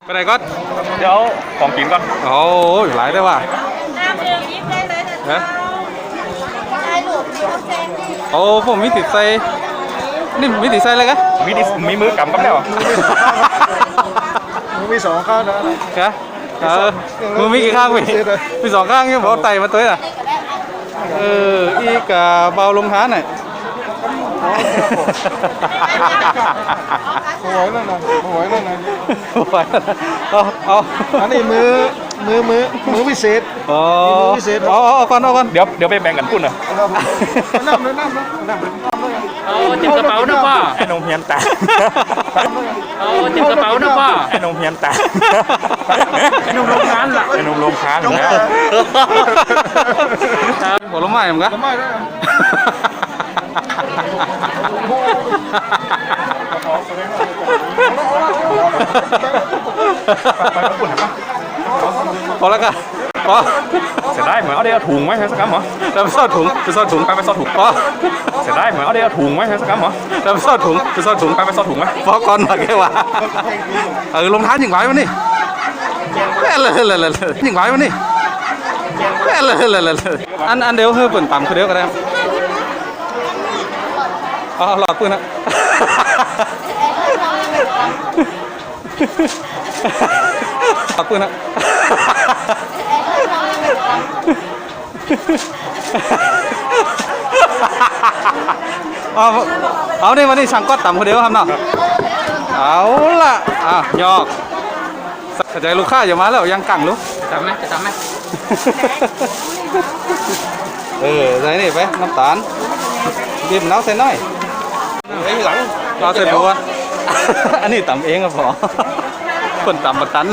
ไปไหนก็เดี๋ยวของกินก่อนโอ้ยหลายได้ว่ะฮะโอ้ผมมีติดใจนี่มีติดใจอะไรกันมีมือกำกับแล้วมีสองข้างนะมือมีกี่ข้างมีสองข้างเนี่ยบอกไต่มาตัวน่ะอีกเบาลงท้าหน่อยหัวนั่นน่ะหัวนั่นน่ะเอาอันนี้มือพิเศษพิเศษเอาก่อนเดี๋ยวไปแบ่งกันพุ่นนะน้ำจิ้มกระเป๋านะพ่อไอ้นมเฮียนแต่จิ้มกระเป๋านะพ่อไอ้นมเฮียนแต่ไอ้นมโรงงานล่ะไอ้นมโรงค้านนะผลไม้เหมือนกันพอแล้วกันพอเสียได้เหมือนเอาเดี๋ยวถุงไหมใช่สักคำเหรอเราไปซ่อนถุงไปซ่อนถุงไปซ่อนถุงพอเสียได้เหมือนเอาเดี๋ยวถุงไหมใช่สักคำเหรอเราไปซ่อนถุงไปซ่อนถุงไปซ่อนถุงไหมพอก่อนมาแค่ว่าลงท้ายยิงไหวมันนี่เลยยิงไหวมันนี่เลยอันเดียวคือเปิ่นต่ำคือเดียวก็ได้หลอดปืนนะหลอดปืนนะเอาเนี่ยวันนี้ช่างก็ต่ำคนเดียวครับเนาะเอาล่ะยอกใจลูกค้าอย่ามาแล้วยังกังลูกจำไหมจะจำไหมใส่นี่ไปน้ำตาลบีบมะนาวใส่น้อยไอ้หลังเราใส่บัวอันนี้ต่ำเองครับพ่อคนต่ำมาตัน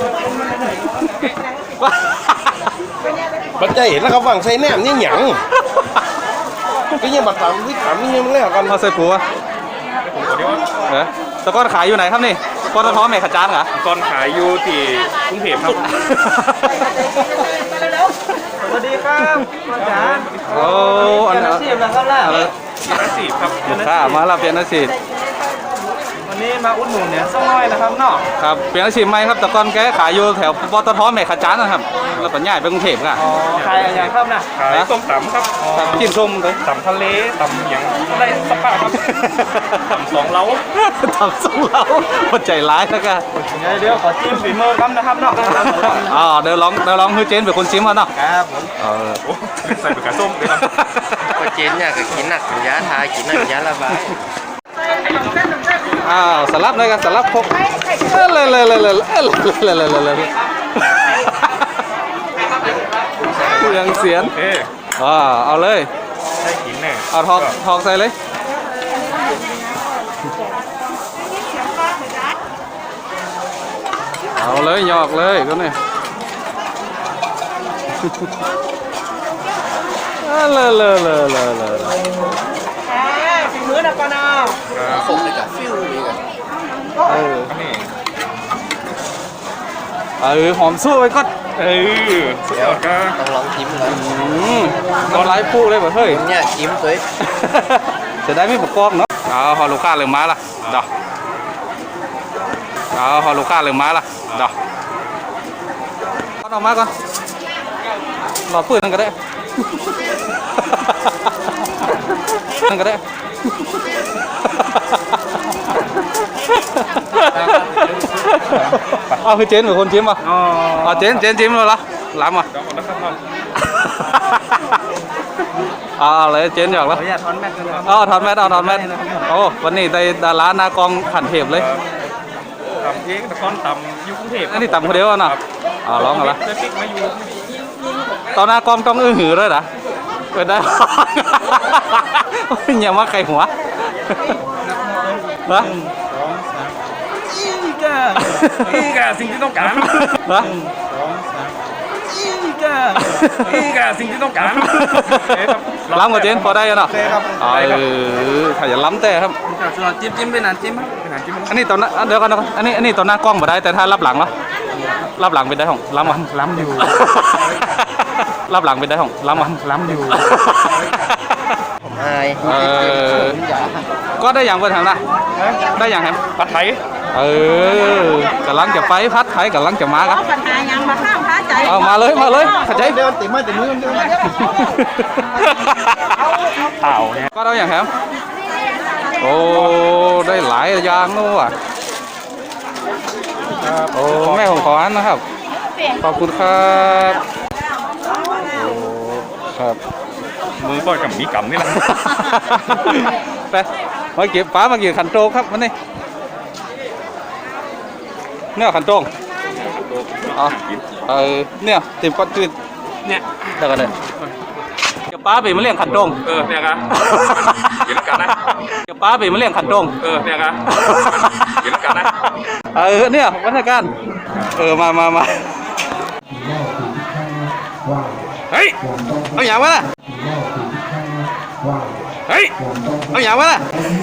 บัดใจเห็นแล้วครับว่างใส่แหนมนี่หยังก็ยังบัดต่ำวิถามนี่ยังแล้วกันเราใส่บัวตะก้อนขายอยู่ไหนครับนี่ปตท.แม่ขจานเหรอตอนขายอยู่ที่กรุงเทพครับสวัสดีครับอาจารย์โอ้อันนี้อาชีพนะครับล่ะอาชีพครับมารับเปลี่ยนอาชีพวันนี้มาอุดหนุนเนี่ยสักหน่อยนะครับเนาะครับเปลี่ยนอาชีพใหม่ครับแต่ก่อนแกขายอยู่แถวปตท.แม่ขจานนะครับแล้วก็ย้ายไปกรุงเทพค่ะขายอย่างครับนะขายส้มตำครับกินส้มเลยตำทะเลตำอย่างได้สปาครับตำสองเล้าหัวใจร้ายนะกันเดี๋ยวขอจิ้มฝีมือครับนะครับเนาะเดี๋ยวลองให้เจนเป็นคนชิมก่อนเนาะครับผมใส่เป็นกระส้มเลยครับก็เจนเนี่ยก็กินหนักกินยาทากินหนักกินยาละบายสลับเลยกันสลับพกยังเสียนเอาเลยได้กินแน่เอาทอกใส่เลยเอาเลยหยอกเลยก็เนี่ยฝีมือนะปานาส่งเลยกับฟิวดีกันหอมสู้ไว้ก็เดี๋ยวก็ต้องลองจิ้มเลยน้ำลายพูเลยแบบเฮ้ยเนี่ยจิ้มสวยจะได้ไม่ปกป้องเนาะพอลูกค้าเริ่มมาละดอกพอลูกค้าเริ่มมาละดอกเอาออกมาก่อนหลอดปืนนั่นก็ได้นั่นก็ได้เอาคือเจนเป็นคนชิมอ่ะเจนชิมเลยละล้ำอ่ะเลยเจนหยอกแล้วถอนแมสถอนแมสโอ้วันนี้ได้ดาราหน้ากองขันเทพเลยตำเองแต่ก้อนตำอยู่กรุงเทพอันนี้ตำคนเดียวน่ะร้องกันละตอนหน้ากองต้องหือเลยนะเปิดได้อย่ามาไข่หัวนะอีกาสิ่งที่ต้องการนะอีกาสิ่งที่ต้องการล้ำกับเจนพอได้ยังเนาะถ้าอย่าล้ำแต่ครับจิ้มไปนานจิ้มอันนี้ตอนนั้นเดี๋ยวกันอันนี้ตอนหน้ากล้องมาได้แต่ถ้ารับหลังเหรอรับหลังเป็นได้ของล้ำอยู่รับหลังเป็นได้ของล้ำอยู่ก็ได้อย่างเปิดทางนะได้อย่างแฮมผัดไทยกำลังจะไปพัดไทยกำลังจะมาครับปัญหายังมาข้ามพระใจเอามาเลยเข้าใจเดินติดมือเดินเต่าเนี่ยก็ได้อย่างครับโอ้ได้หลายอย่างนู้อ่ะโอ้แม่ผมขออันนะครับขอบคุณครับโอ้ครับมือก็กับมีกำนี่แหละไปมาเก็บป้ามาเก็บขันโตกครับมันนี่เนี่ยขันโตงเอาเนี่ยติมก้อนจืดเนี่ยเดี๋ยวกันเลยเก็บป้าไปมาเลี้ยงขันโตงเนี่ยครับกินแล้วกันนะเก็บป้าไปมาเลี้ยงขันโตงเนี่ยครับกินแล้วกันนะเนี่ยวัฒนการมาเฮ้ยเอาอย่างวะน่ะเฮ้ยเอาอย่างวะน่ะ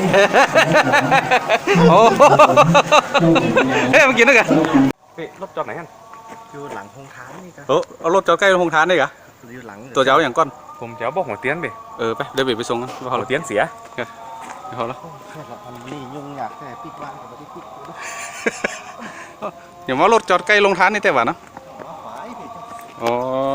โอ้เฮ้ยมากินด้วยกันรถจอดไหนกันอยู่หลังโรงทานนี่กันเอารถจอดใกล้โรงทานได้กะอยู่หลังตัวเจ้าอย่างก้อนผมจะบอกหัวเตี้ยนดิไปเดี๋ยวไปส่งกันพอหัแล้ววเตี้ยนเสียพอแล้วมันนี่ยุ่งยากแต่ปิดบ้านกับไม่ได้ปิดเดี๋ยวว่ารถจอดใกล้โรงทานนี่แต่ว่านะอ๋อ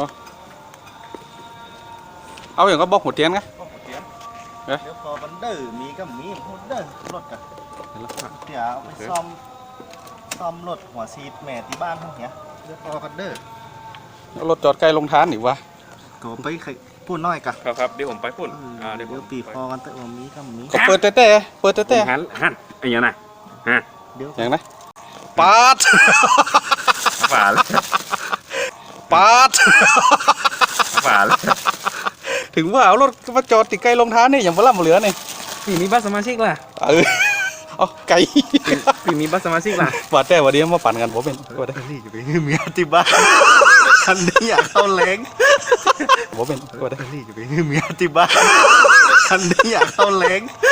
เอาอย่างก็บอกหัวเตียนไงเดี๋ยวพอมันเด้อมีก็มีพูดเด้อรถกันเดี๋ยวเอาไปซ่อมรถหัวซีดแม่ที่บ้านทั้งเนี้ยเดี๋ยวพอกันเด้อรถจอดใกล้โรงทานอีกวะก็ไปพูดน้อยกันครับเดี๋ยวผมไปปุ่นเดี๋ยวเดี๋ยวปีพอกันแต่ว่ามีก็มีก็เปิดแต่หันไอ้ยังไงฮะเดี๋ยวอย่างไรปาดฝ่าเลยปาดฝ่าเลยถึงว่าเอารถมาจอดติดใกล้โรงทานนี่อย่างพลัมเหลือนี่ปีมีบัตรสมาชิกล่ะเอาไก่ปีมีบัตรสมาชิกล่ะบาดแต่วันนี้มาปั่นกันผมเป็นก็ได้นี่จะไปเมียที่บ้านคันนี้อยากเข้าแรงผมเป็นก็ได้นี่จะไปเมียที่บ้านคันนี้อยากเข้าแรง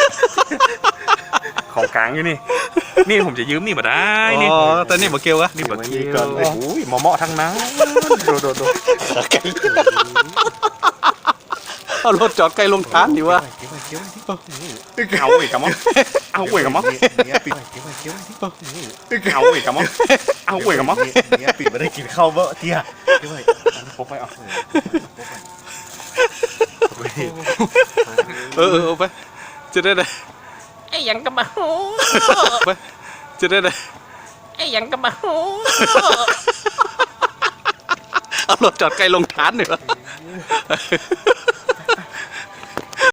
ของกลางอยู่นี่นี่ผมจะยืมนี่มาได้นี่อ๋อแต่นี่มาเกลียวอะนี่แบบนี้ก่อนโอ้โหหมอทั้งนั้นโดไก่เอารถจอดใกล้โรงทานดีวะเอาอีกกับมั้งเอาอีกกับมั้งเมียปิดเอาอีกกับมั้งเอาอีกกับมั้งเมียปิดไม่ได้กินข้าวเบอะเตี้ยพกไปเอาเอาไปจะได้ไอ้ยังกระบะหูไปจะได้ไอ้ยังกระบะหูเอารถจอดใกล้โรงทานดีวะ